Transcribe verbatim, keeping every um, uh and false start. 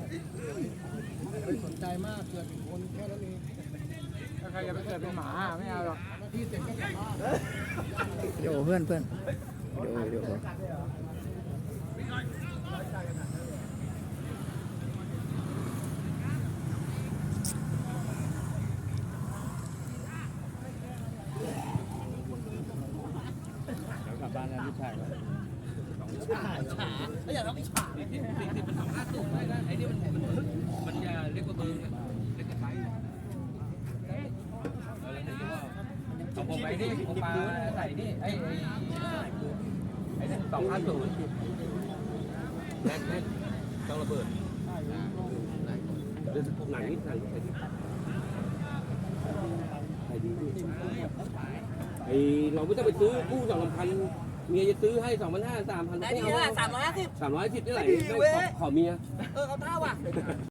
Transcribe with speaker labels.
Speaker 1: ไม่สนใจมากเกิดเป็นคนแค่นั้นเองถ้าใครจะไปเกิดเป็นหมาไม่เอาหรอกที่เสร็จก็กลับบ้าน
Speaker 2: โยเพื่อนเพื่อนโยโยกลับบ้านแล้วลูกชาย
Speaker 3: ฉาฉาไม่อยากทำฉาสี่สิบมันสองห้าสูงได้นะไอ้นี่มันมันมันจะเล็กกว่าเบอร์เล็กกว่าไซส์ของผมไปนี่ผมมาใส่นี่ไอ้ไอ้ไอ้นี่สองห้าสูงแรกแรกต้องระเบิดเดินหนังนิดหนังใส่ดิใส่ดีไอ้เราไม่ต้องไปซื้อกู้สองพันเมียจะซื้อให้สองพันห้าสามพันได้ดีละสามร้อยห้าสิบสามร้อยสิบนี่ไหนขอเมียเออเขาเท่าว่ะ